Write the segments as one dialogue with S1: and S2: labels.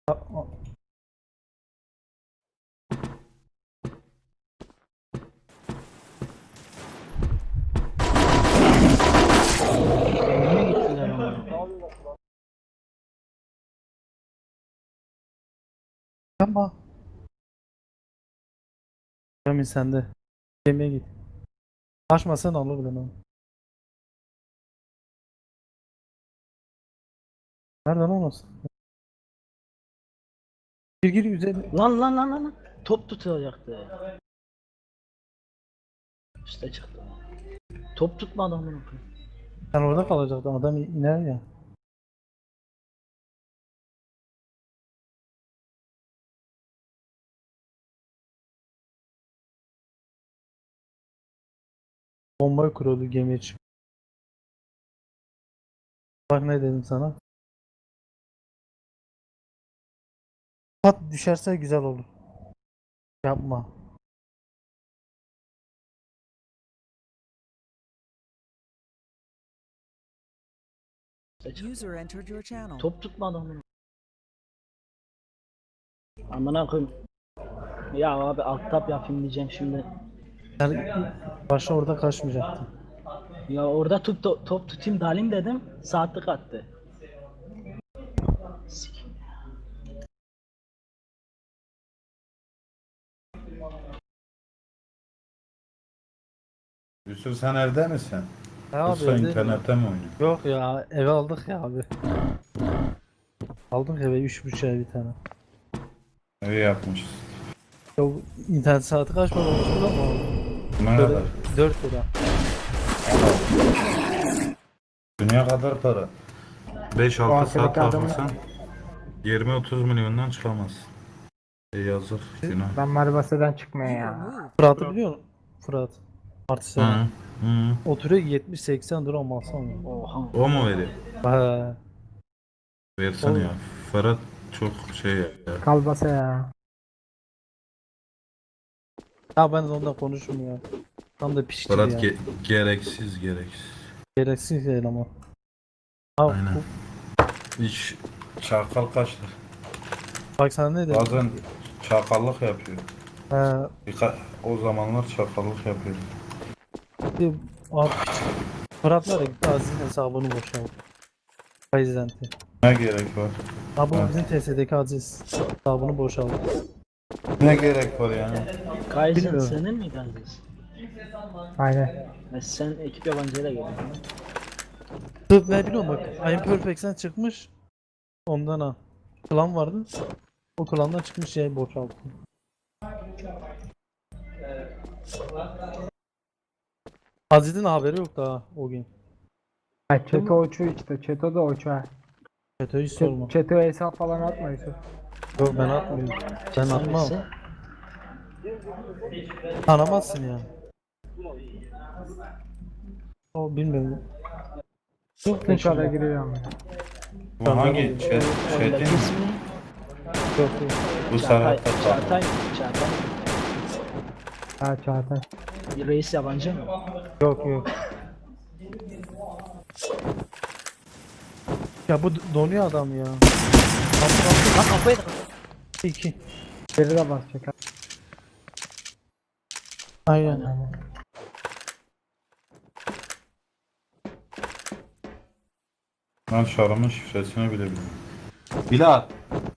S1: Niye gittiler ama?
S2: Yapma. Emin sende. Yemeğe git. Açmasan alır bile onu. Nereden olmasın? Gir üzerine.
S1: Lan. Top tutacaktı. İşte çıktı. Top tutma adamın.
S2: Sen orada kalacaktın. Adam iner ya. Bombayı kuruyordu gemiye çık. Bak ne dedim sana. Pat düşerse güzel olur. Yapma.
S1: İşte çıktı.
S3: User entered your channel.
S1: Top tutma adamın. Amına koyayım. Ya abi alt tab yapayım diyeceğim şimdi.
S2: Yani başta orada kaçmayacaktın.
S1: Ya orada top tutayım dalayım dedim. Saatlik attı. Sik.
S4: Yusuf sen evde misin?
S2: Ya abi
S4: Yoksa
S2: evde-
S4: internette mi oynuyorsun?
S2: Yok ya eve aldık ya abi. Aldık eve 3.5'e bir tane.
S4: İyi yapmışız.
S2: Ya bu internet saati kaç para olmuştur ama
S4: Ne kadar?
S2: 4 lira.
S4: Dünya kadar para. 5-6 saat
S5: arkadaki adamı-
S4: takılsan 20-30 milyondan çıkamazsın. Yazık günah.
S5: Ben Maribasa'dan çıkmıyor
S3: You were
S5: ya.
S3: moved.
S2: Fırat'ı biliyor musun? Fırat. Artist
S4: Hı
S2: olan.
S4: hı.
S2: Oturuyor 70-80 lira ama alsam.
S1: Oha.
S4: O mu veriyor?
S2: He.
S4: Versene
S2: O-
S4: ya. Ferhat çok şey ya.
S5: Kalbasa ya.
S2: Ya ben de onunla konuşmuyor. Tam da pişti
S4: Ferhat
S2: ya.
S4: gereksiz.
S2: Gereksiz değil ama. Ha,
S4: Aynen. Hiç çakal kaçtır.
S2: bak sana ne dedim.
S4: Bazen çakallık yapıyor.
S2: He,
S4: O zamanlar çakallık yapıyor.
S2: abi, Fırat'la da gitti Aziz'in hesabını boşalttı. Prezidenti.
S4: Ne gerek var?
S2: Ha bu
S4: Evet.
S2: bizim TS'deki Aziz hesabını boşalttı.
S4: Ne gerek var yani?
S1: Kaizen
S2: Bilmiyorum.
S1: senin mi Aziz?
S5: Aynen.
S1: Sen ekip yabancıyla geldin.
S2: Tıp ne biliyorum bak. I'm Perfect'ten çıkmış. Ondan ha. Klan vardı. O klandan çıkmış şey boşalttı. Aziz'in haberi yok daha o gün.
S5: Ha, Çeto uçuyor işte. Çeto da uçuyor.
S2: FETÖ'yü sorma.
S5: Çeto hesap falan atma Yusuf.
S2: Yok ben atmıyorum. Ben atmam.
S1: Hangisi?
S2: Tanımazsın yani. O bilmiyorum. Yok ne
S5: Tekrarda
S2: şey.
S5: giriyor ama.
S4: Bu hangi
S1: Oyundaki
S4: chat'in?
S1: ismi
S2: Yok yok.
S4: Bu
S1: Çağatay.
S4: Serhat'ta
S1: Çağatay. Çağatay.
S5: Ha Çağatay.
S1: Reis yabancı mı?
S2: Yok yok. Ya bu donuyor adam ya.
S1: Lan kafayı da.
S2: 2.
S5: Geri de basacak. Ha.
S2: Aynen.
S5: Aynen.
S4: Ben şarımın şifresini bile bilmiyorum. Bilal.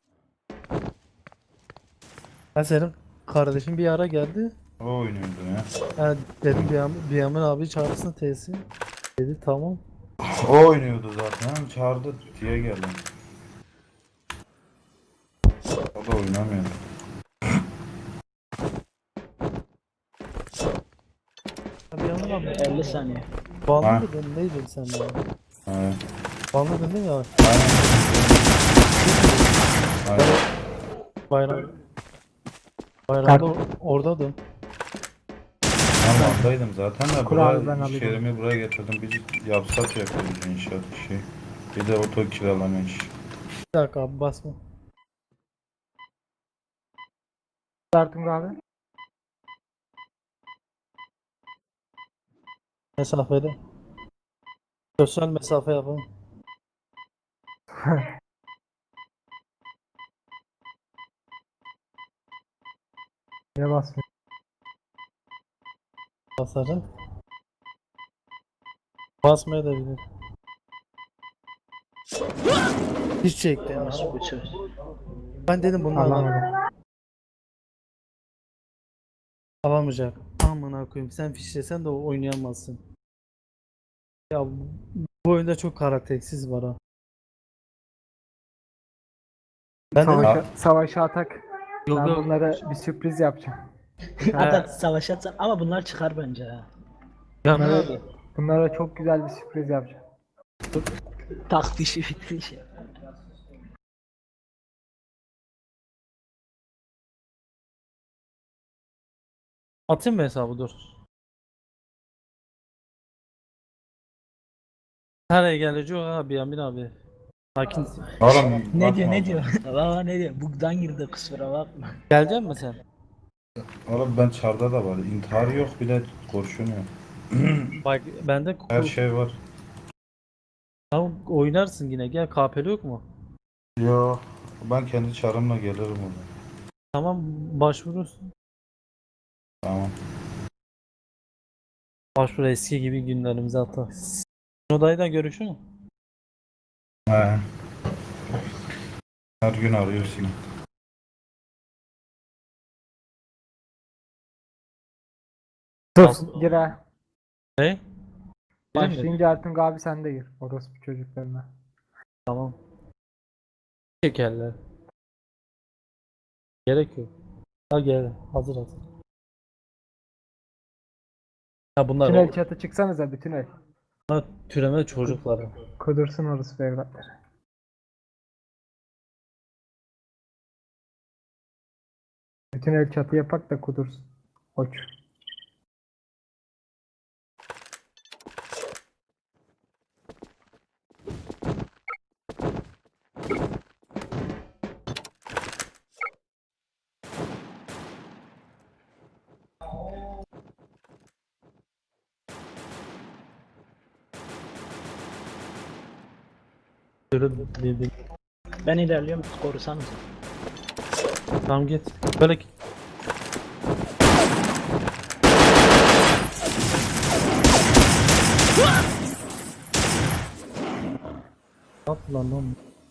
S2: Ben senin kardeşin bir ara geldi.
S4: O oynuyordu ya.
S2: Dedim Biyamin abi çağırsın teyze. Dedi tamam.
S4: O oynuyordu zaten. Çağırdı diye geldim. O da oynamıyor.
S2: Ya Biyamin abi
S1: 50 saniye.
S2: banlı
S4: Ha.
S2: mıydın neydin sen ya?
S4: Evet.
S2: Banlı dedin ya.
S4: Aynen. Aynen.
S2: Bayram. Bayramda oradaydım.
S4: Ben Van'daydım zaten de
S5: Kur abi, ben
S4: buraya,
S5: alayım.
S4: iş yerimi buraya getirdim. Biz yapsak yapıyoruz inşaat işi. Bir de oto kiralama işi.
S2: Bir dakika abi basma.
S5: Startım abi.
S2: Mesafede. Sosyal mesafe yapalım.
S5: Niye basmıyor?
S2: Basarım. Basmaya da bilir. Hiç çekti ya.
S1: Nasıl bir söz?
S2: Ben dedim bunu
S5: Alamadım.
S2: alamayacak. Amına koyayım, sen fişlesen de oynayamazsın. Ya bu oyunda çok karaktersiz var ha. Ben dedim
S5: Savaşa atak.
S2: yok
S5: Ben
S2: yok.
S5: bunlara bir sürpriz yapacağım.
S1: Hatta savaş atsan ama bunlar çıkar bence ha.
S2: Ya
S5: Bunlara, bunlara çok güzel bir sürpriz yapacağım.
S1: Tak dişi bitri şey.
S2: atayım mı hesabı, dur. Nereye gelecek abi Yamin abi? Sakin.
S4: Oğlum
S1: Ne diyor
S4: bakma
S1: ne
S4: oğlum.
S1: diyor? Baba ne diyor? Bug'dan girdi kusura bakma.
S2: Gelecek misin sen?
S4: Oğlum ben çarda da var. İntihar yok bir de kurşun yok.
S2: Bak bende
S4: Her şey var.
S2: Tamam, oynarsın yine, gel, KP'li yok mu?
S4: Yo. Ben kendi çarımla gelirim oraya.
S2: Tamam, başvurursun.
S4: Tamam.
S2: Başvur, eski gibi günlerimize hatta. Odayla görüşün mü?
S4: He. Her gün arıyorsun.
S5: Dur gir ha.
S2: Ne? Girin mi?
S5: Başlayınca Ertuğrul abi sen de gir. Orospu çocuklarına.
S2: Tamam. Çekerler. Gerek yok. Ha gel. Hazır hazır. Ha bunlar
S5: Bütün el çatı çıksanıza bütün el.
S2: türeme çocukları.
S5: Kudursun orospu evlatları. Bütün el çatı yapak da kudursun. Koç.
S2: Böyle dedi.
S1: Ben ilerliyorum korusanız.
S2: Tamam git. Böyle git. At lan.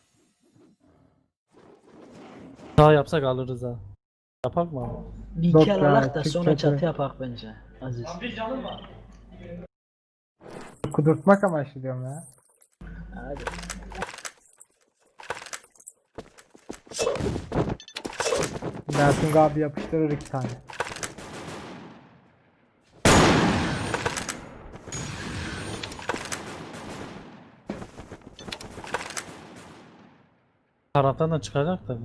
S2: Daha yapsak alırız ha. Yapak mı abi?
S1: Bir
S5: Yok
S1: iki
S5: ya,
S1: alalak da
S5: çık
S1: sonra
S5: çatı.
S1: çatı yapak bence. Aziz.
S5: Kudurtmak amaçlı diyorum ya.
S1: Hadi.
S5: Ertuğrul abi yapıştırır 2 tane.
S2: Taraftan da çıkacak da.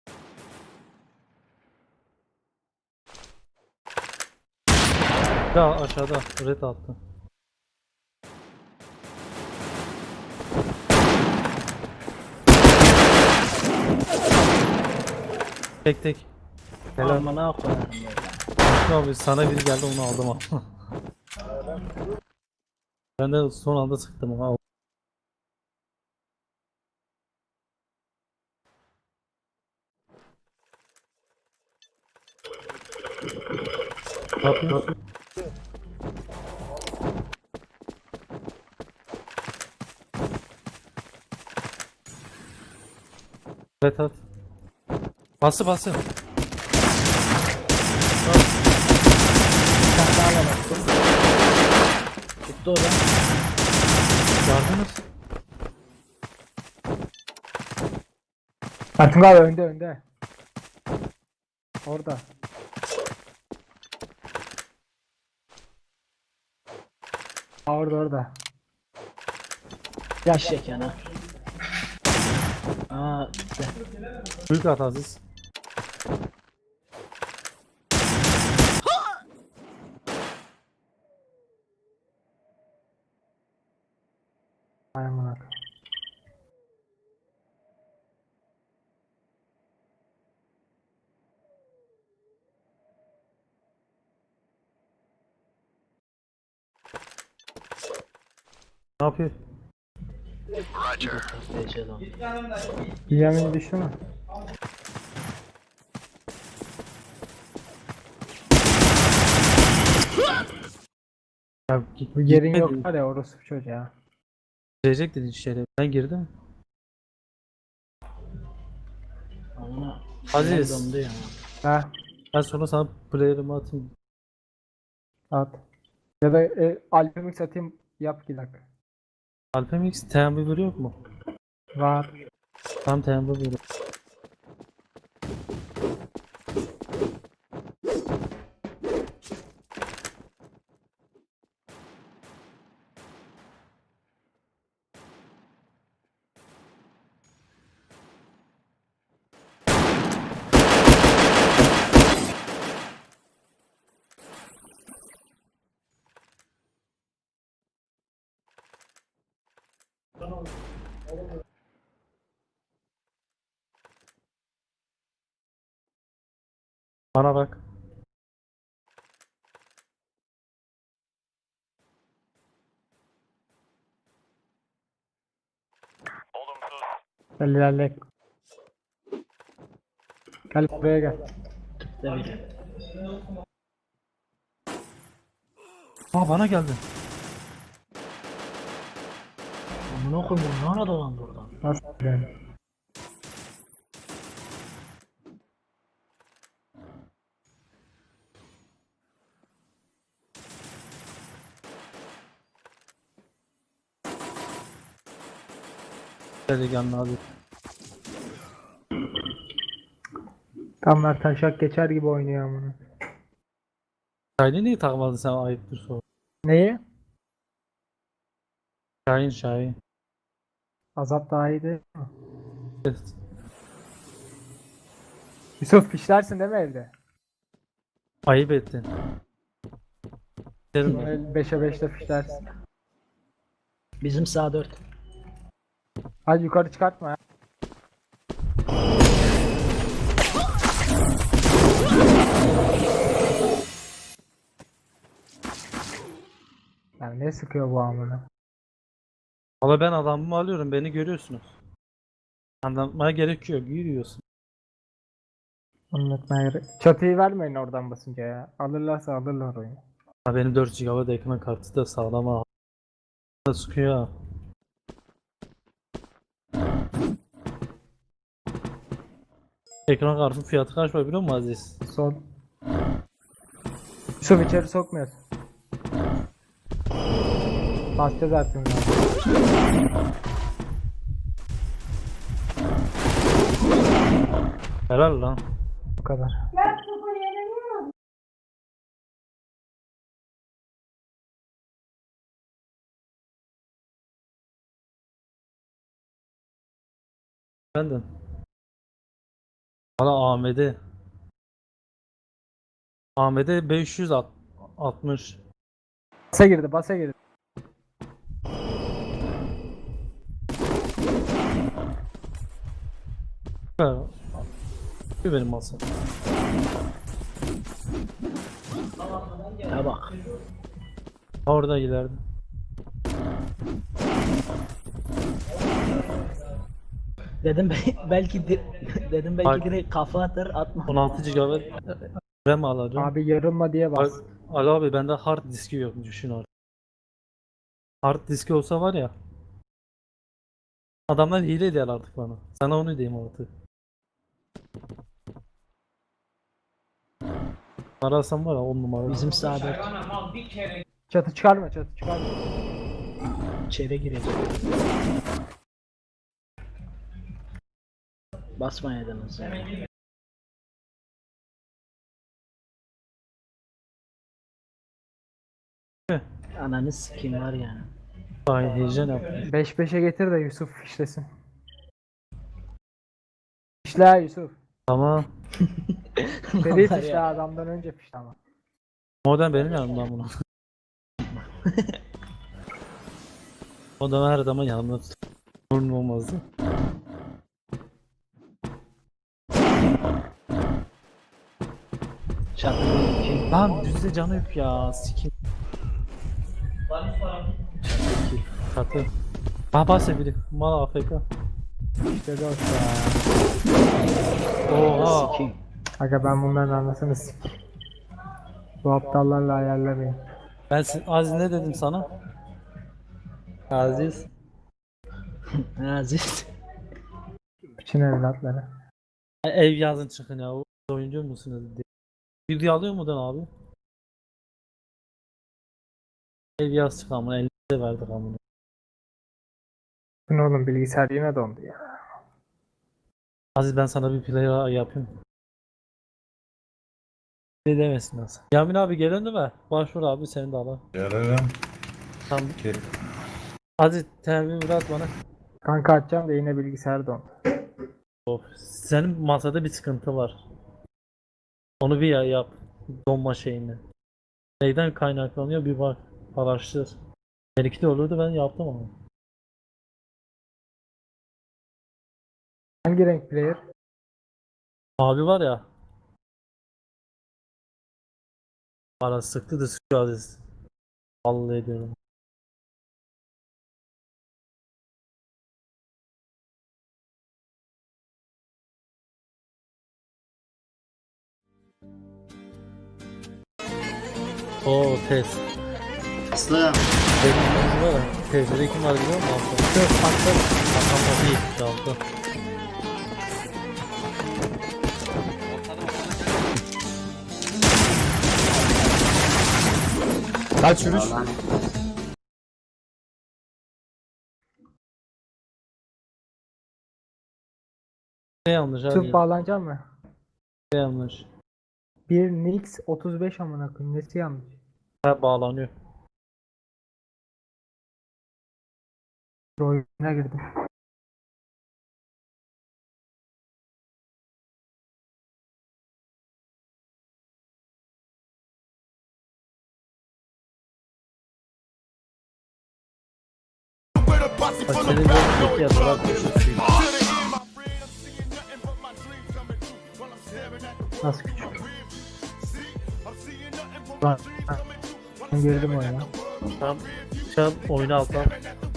S2: Ya aşağıda red attı. Tek tek. Helal.
S1: Amına koyarım böyle.
S2: Abi sana biri geldi, onu aldım ama. Ben de son anda sıktım ama. Ne yapıyorsun? Evet at. Bası bası.
S1: Tuttu o da.
S2: Yardınız.
S5: Ertuğrul abi önde. Orada. Orada.
S1: Yaş yana. Aa gitti.
S2: Büyük at Aziz.
S5: Ay amına.
S2: Ne yapıyor?
S1: DC lan.
S5: Yemin düştü mü?
S2: Ya,
S5: Bu yerin
S2: gitmedi.
S5: yok var ya orası çocuğa.
S2: Girecek dedi içeri. Ben girdim.
S1: Ama
S2: Aziz.
S1: şeyler dondu ya.
S5: Ha
S2: Ben sonra sana player'ımı atayım.
S5: at. Ya da Alpemix atayım yap 2 dakika.
S2: Alpemix Tembiver yok mu?
S5: Var.
S2: Tam Tembiver. Bana bak.
S5: Gel ilerle. Gel buraya gel.
S1: Tüpte bile.
S2: Aa bana geldi.
S1: Amına koyayım bu ne ara dolandı oradan.
S5: Nasıl yani?
S2: Dedi geldi abi.
S5: Tamlar taşak geçer gibi oynuyor amına.
S2: Şahin'i niye takmadın sen ayıptır sor.
S5: Neyi?
S2: Şahin.
S5: Azap daha iyi değil mi?
S2: Evet.
S5: Yusuf fişlersin değil mi evde?
S2: Ayıp ettin. Derim ben.
S5: 5'e 5'te fişlersin.
S1: Bizim sağ 4.
S5: Hadi yukarı çıkartma ya. Yani ne sıkıyor bu amına?
S2: Valla ben adamımı alıyorum, beni görüyorsunuz. Anlatmaya gerek yok, yürüyorsun.
S5: Anlatmaya gerek. Çatıyı vermeyin oradan basınca ya. Alırlarsa alırlar oyunu.
S2: Ha, benim 4 GB ekran kartı da sağlam ha. Da sıkıyor ha. Ekran kartının fiyatı kaç var biliyor musun Aziz?
S5: Son. Yusuf içeri sokmuyorsun. Basacağız artık.
S2: Helal lan.
S5: Bu kadar.
S2: Benden. Valla AMD. AMD 560.
S5: Basa girdi, basa girdi.
S2: Ha. Benim masam.
S1: Ya bak.
S2: Orada ileride.
S1: Dedim belki dedim belki
S2: Bak.
S1: direkt kafa atar atma.
S2: 16 GB RAM alacağım.
S5: Abi yarılma diye bas.
S2: Ali abi bende hard diski yok, düşün abi. Hard diski olsa var ya. Adamlar hile ediyor artık bana. Sana onu diyeyim artık. Arasam var ya 10 numara.
S1: Bizim sağ 4.
S5: Çatı çıkarma, çatı çıkarma.
S1: İçeri girecek. Basmayaydınız yani. Ananı sikeyim var yani.
S2: Ay heyecan yaptım.
S5: 5-5'e getir de Yusuf fişlesin. Fişle ha Yusuf.
S2: Tamam.
S5: Seri
S1: Var
S5: fişle
S1: ya.
S5: adamdan önce fişle ama.
S2: Modem benim yanımdan bunu. Modem her zaman yanımda tut. Sorun olmazdı.
S1: Çatı kim?
S2: Lan düzde canı yok ya. Sikim. Katı. Bahse biri. Mal AFK.
S5: İşte dost ya.
S2: Oha.
S1: Sikeyim.
S5: Aga ben bunların anlasını sik. Bu aptallarla ayarlamayın.
S2: Aziz ne dedim sana? Aziz.
S1: Aziz.
S5: Bütün evlatları.
S2: Ev yazın çıkın ya. Oyuncu musunuz diye. Video alıyor muydun abi? Ev yaz çık amına. 50 de verdik amına.
S5: Bu ne oğlum, bilgisayar yine dondu ya.
S2: Aziz ben sana bir player yapayım. Ne demesin nasıl? Yamin abi gelen değil mi? Başvur abi seni de al.
S4: Gelirim.
S2: Tamam.
S4: Gel.
S2: Aziz temin at bana.
S5: Kanka açacağım da yine bilgisayar dondu.
S2: Senin masada bir sıkıntı var. Onu bir yap. Donma şeyini. Neyden kaynaklanıyor bir bak. Araştır. Benimki de olurdu ben yaptım ama.
S5: Hangi renk player?
S2: Abi var ya. Bana sıktı da sıkıyor Aziz. Vallahi diyorum. Oo test.
S3: Aslı.
S2: Benim var ya. Tezleri kim var biliyor musun? Yok baktım. Bakan değil. Çaldı.
S3: Kaç yürüyüş?
S2: Ne yanlış abi?
S5: Sırf bağlanacak mı?
S2: Ne yanlış?
S5: Bir Nix 35 amına koyayım. Nesi yanlış?
S2: Ha bağlanıyor.
S5: Oyuna girdim.
S2: Bak senin böyle çok yazılar düşürsün.
S5: Nasıl küçük? Ben, ben girdim oyuna.
S2: Tamam. Şu an oyunu alttan.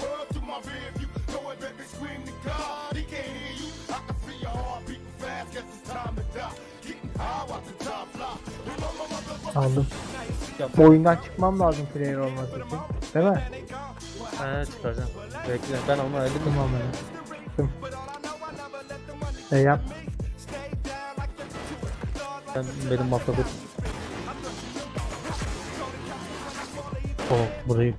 S5: Aldım. Bu oyundan çıkmam lazım player olması için. Değil mi?
S2: He çıkaracağım. Bekle ben onu halledeyim.
S5: Tamam ben. Çıktım. Yap.
S2: Ben benim masada. Oh burayı.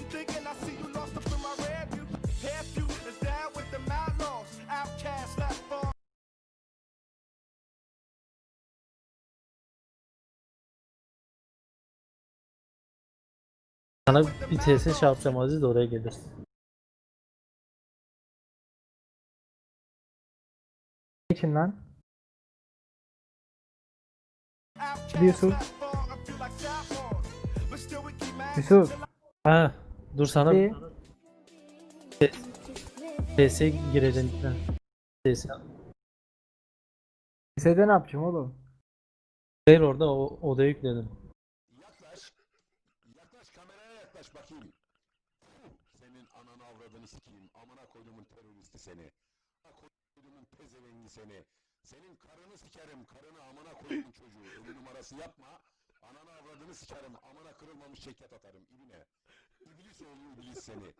S2: Sana bir tesis şey yapacağım Aziz de oraya gelirsin.
S5: İçin lan. Yusuf. Yusuf.
S2: Ha dur sana
S5: İyi.
S2: TS'ye gireceğim bir tane. TS.
S5: Lisede ne yapacağım oğlum?
S2: Hayır orada oda yükledim.
S6: Yaklaş kameraya yaklaş bakayım. Senin ananı avradını sikeyim. Amına koyduğumun teröristi seni. Amına koyduğumun pezevengi seni. Senin karını sikerim. Karını amına koyduğum çocuğu. Ölü numarası yapma. Ananı avradını sikerim. Amına kırılmamış şeker atarım. İbine. İblis oğlu iblis seni.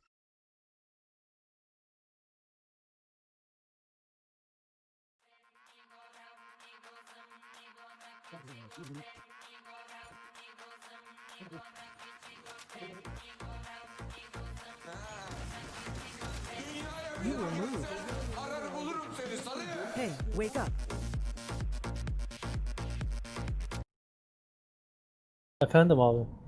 S7: Hey, wake up.
S2: Efendim abi.